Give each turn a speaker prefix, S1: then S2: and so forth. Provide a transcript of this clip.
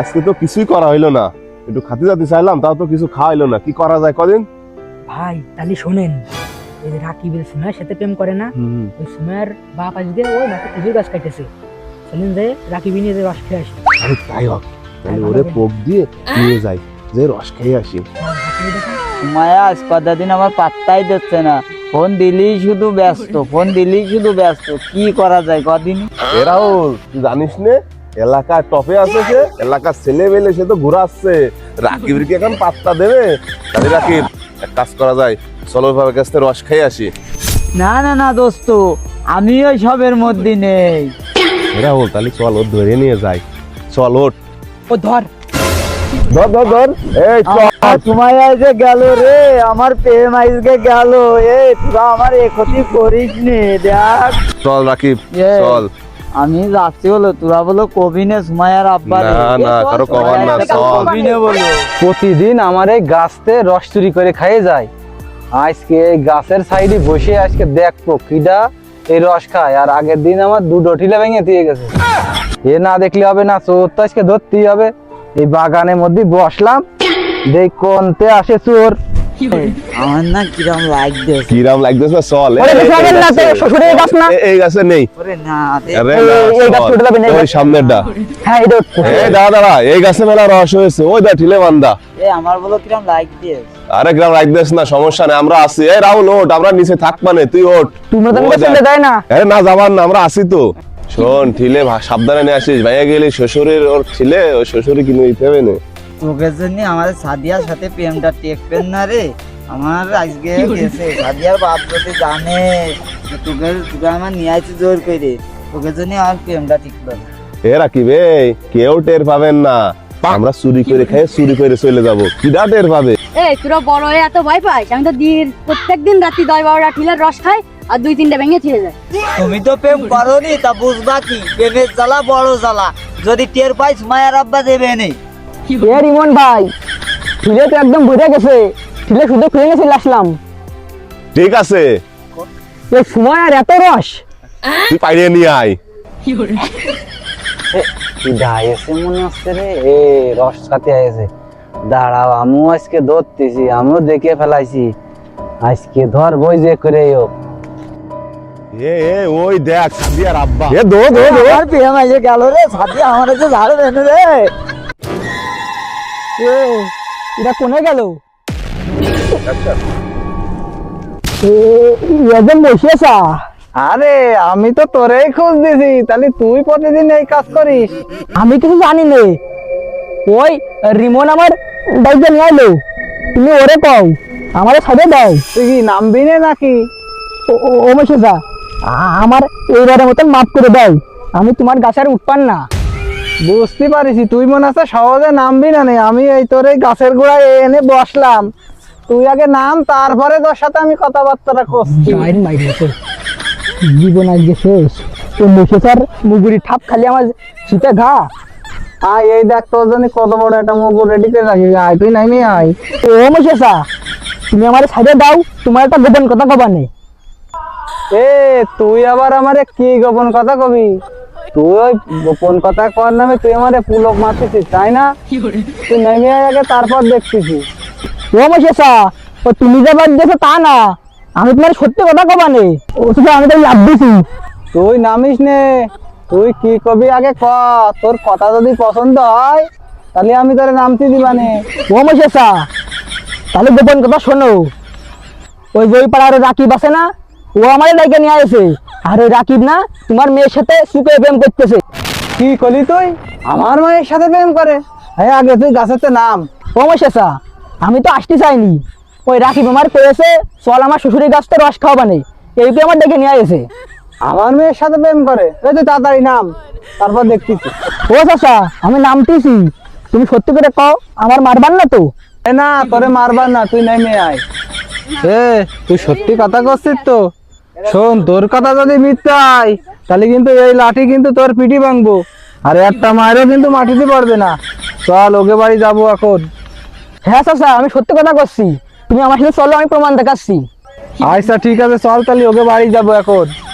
S1: আজকে তো কিছুই করা হইলো না, একটু খাতে যাতে চাইলাম, তাও তো কিছু খাওয়া হইলো না। কি করা যায় কদিন?
S2: ভাই তাহলে শোনেন, এই যে রাকিবের সুমাইয়ের সাথে প্রেম করে না, ওই সুমাইয়ের বাপ আজকে ওই মাঠে খেজুর গাছ কাটতেছে, চলেন যে রাকিব নিয়ে যে রস খেয়ে আসি।
S1: আরে তাই হোক, তাহলে ওরে পোক দিয়ে নিয়ে যাই, যে রস খেয়ে আসি।
S3: মায়া আজ কতদিন আমার পাত্তাই দিচ্ছে না, ফোন দিলেই শুধু ব্যস্ত, ফোন দিলেই শুধু ব্যস্ত, কি করা যায় কদিন?
S1: এরাও জানিস নে, এলাকার টপে আছে সে, এলাকার ছেলে মেলে সে তো ঘুরাচ্ছে। রাকিবের কি এখন পাত্তা দেবে? তাহলে রাকিব এক কাজ করা যায়, চলো ভাবে কাছ থেকে রস খেয়ে আসি।
S3: না না না দোস্ত, আমি ওই সবের মধ্যে নেই।
S1: এরা বল তাহলে চল, ওর ধরে নিয়ে যাই। চল ওঠ,
S2: ও ধর
S1: ধর ধর ধর, এই চল।
S3: সময় আজকে গেল রে, আমার প্রেম আজকে গেল। তোরা আমার এ ক্ষতি করিস নি, দেখ।
S1: চল রাকিব চল।
S3: আমি যাচ্ছি বলো, তোরা বলো কবিনে সুমাইয়ার আব্বা রে।
S1: না না, কারো কবার না, চল।
S3: কবিনে বলো।
S4: প্রতিদিন আমার এই গাছতে রস চুরি করে খাইয়ে যায়। আজকে এই গাছের সাইডে বসে আজকে দেখবো কিডা এই রস খায়। আর আগের দিন আমার দুটো ঠিলা ভেঙে দিয়ে গেছে, এ না দেখলে হবে না, চোর তো আজকে ধরতেই হবে। এই বাগানের মধ্যে বসলাম, দেখ কোনতে আসে চোর।
S3: আমার না কিরম লাগছে।
S1: কিরাম লাগতেছে? চল।
S2: ওরে বেশি আগে না, তো শ্বশুরের গাছ না?
S1: এই গাছে নেই।
S3: ওরে না দে।
S1: আরে
S2: এই-
S1: না,
S2: এই গাছ
S1: চল।
S2: উঠে যাবে না, এই
S1: ওই
S2: গাছ।
S1: সামনেরটা।
S2: হ্যাঁ এটা
S1: এই দাঁড়া দাঁড়া, এই গাছে মেলা রস হয়েছে, ওই দা ঠিলে বান্দা।
S3: আমার বলো কিরম লাগছে।
S1: আরে গ্রাম রাখদিস না, সমস্যা নেই, আমরা আছি। এই রাহুল ওঠ, আমরা নিচে থাক, মানে তুই ওঠ।
S2: তোমরা তো
S1: ও
S2: আমাকে
S1: দেখ।
S2: ছেড়ে দেয় না।
S1: আরে না, যাবার না, আমরা আছি তো। শোন ঠিলে সাবধানে নিয়ে আসিস, ভাইয়া গেলে শ্বশুরের ওর ছিলে, ওই শ্বশুরে কিনে দিতে হবে না।
S3: তোকে জন্য আমার সাদিয়ার সাথে প্রেমটা টেকবেন না রে। আমার আজকে গেছে, সাদিয়ার বাপ যদি জানে যে তোকে তোকে আমার নিয়ে আসছে জোর করে, তোকে জন্য আমার প্রেমটা টিকবে না।
S1: এ রাকিব, কেউ টের পাবেন না, আমরা চুরি করে খেয়ে চুরি করে চলে যাবো, কিডা টের পাবে?
S5: এই তোরা বড় হয়ে এত ভয় পাইস? আমি তো প্রত্যেকদিন রাত্রি 10-12টা ঠিলের রস খাই আর 2-3টা ভেঙে ছিঁড়ে যায়।
S3: তুমি তো প্রেম করনি, তা বুঝবা কি প্রেমের জ্বালা বড় জ্বালা। যদি টের পাইস মায়ের আব্বা দেবে নেই।
S2: এ রিমন ভাই, ঠিলে তো একদম ভরে গেছে, ঠিলে শুধু খুলে গেছে আসলাম।
S1: ঠিক আছে,
S2: এই সময় আর এত রস।
S1: তুই পাইরে নিয়ে আয়।
S4: কিডা এসে মনে হচ্ছে রে, এ রস খাতে আইছে। দাঁড়াও, আমিও আজকে ধরতেছি, আমিও দেখে ফেলাইছি, আজকে ধর বই যে করে হোক।
S1: ওই দেখ সাদিয়ার আব্বা। দো দো দো।
S3: আমার প্রেম আইসে গেল রে, সাদিয়া আমার কাছে ঝাড় দেন রে।
S2: এটা কোনে গেল? বসেছা?
S4: আরে আমি তো তোরেই খোঁজ দিছি, তাহলে তুই প্রতিদিন এই কাজ করিস?
S2: আমি কিছু জানি নে, ওই রিমন আমার দায়িত্ব নিয়ে আইলো, তুমি ওরে কও আমার সাথে দাও।
S4: তুই কি নামবি না নাকি?
S2: ও মেশেজা, আমার এইবারের মতন মাফ করে দাও, আমি তোমার গাছের উঠপান না।
S4: বুঝতে পারিছি তুই মনে আছে সহজে নামবি না নে। আমি এই তোর এই গাছের গোড়ায় এনে বসলাম, তুই আগে নাম, তারপরে তোর সাথে আমি কথাবার্তা করছি।
S2: জীবন আজকে শেষ। ও মেশেজার মুগুরি ঠাপ খালি আমার শীতে ঘা।
S4: আয় এই দেখ, তোর জন্য কত বড় একটা মগু রেডি করে রাখি, আয় তুই নামি আয়।
S2: ও মেশেজা, তুমি আমার সাইডে দাও, তোমার একটা গোপন কথা কবা নেই।
S4: এ তুই আবার আমারে কি গোপন কথা কবি? তুই ওই গোপন কথা কর নামে তুই আমারে পুলক মারতেছিস, তাই না? তুই নেমে আয় আগে, তারপর দেখতেছি।
S2: ও মেশেজা, ও তুমি যে বাদ দিয়েছো তা না, আমি তোমার সত্যি কথা কবা নেই, ও শুধু আমি তো লাভ দিছি।
S4: তুই নামিস নে, তুই কি কবি আগে ক। তোর কথা যদি পছন্দ হয় তাহলে আমি তোরে নামতে দিবানে।
S2: ও মেশেজা, তাহলে গোপন কথা শোনো। ওই যে ওই পাড়ার রাকিব আছে না, ও আমার লাইকে নিয়ে আসে, আর ওই রাকিব না তোমার মেয়ের সাথে সুখে প্রেম করতেছে।
S4: কি করলি তুই? আমার মায়ের সাথে প্রেম করে? হ্যাঁ, আগে তুই গাছেতে নাম।
S2: ও মেশেজা, আমি তো আসতে চাইনি, ওই রাকিব আমার কয়েছে চল আমার শ্বশুরের গাছ তো রস খাওয়াবা নেই, এইটা আমার ডেকে নিয়ে আসে।
S4: আমার মেয়ের সাথে প্রেম করে? এই তুই তাড়াতাড়ি নাম, তারপর দেখতেছি।
S2: ও চাচা, আমি নামতেছি, তুমি সত্যি করে কও আমার মারবার না তো?
S4: এ না, তোরে মারবার না, তুই নেমে আয়। এ তুই সত্যি কথা করছিস তো? শোন, তোর কথা যদি মিথ্যা হয় তাহলে কিন্তু এই লাঠি কিন্তু তোর পিঠি ভাঙবো, আর একটা মায়েরও কিন্তু মাটিতে পড়বে না। চল, ওকে বাড়ি যাবো এখন।
S2: হ্যাঁ চাচা, আমি সত্যি কথা করছি, তুমি আমার সাথে চলো, আমি প্রমাণ দেখাচ্ছি।
S4: আচ্ছা ঠিক আছে, চল তাহলে ওকে বাড়ি যাবো এখন।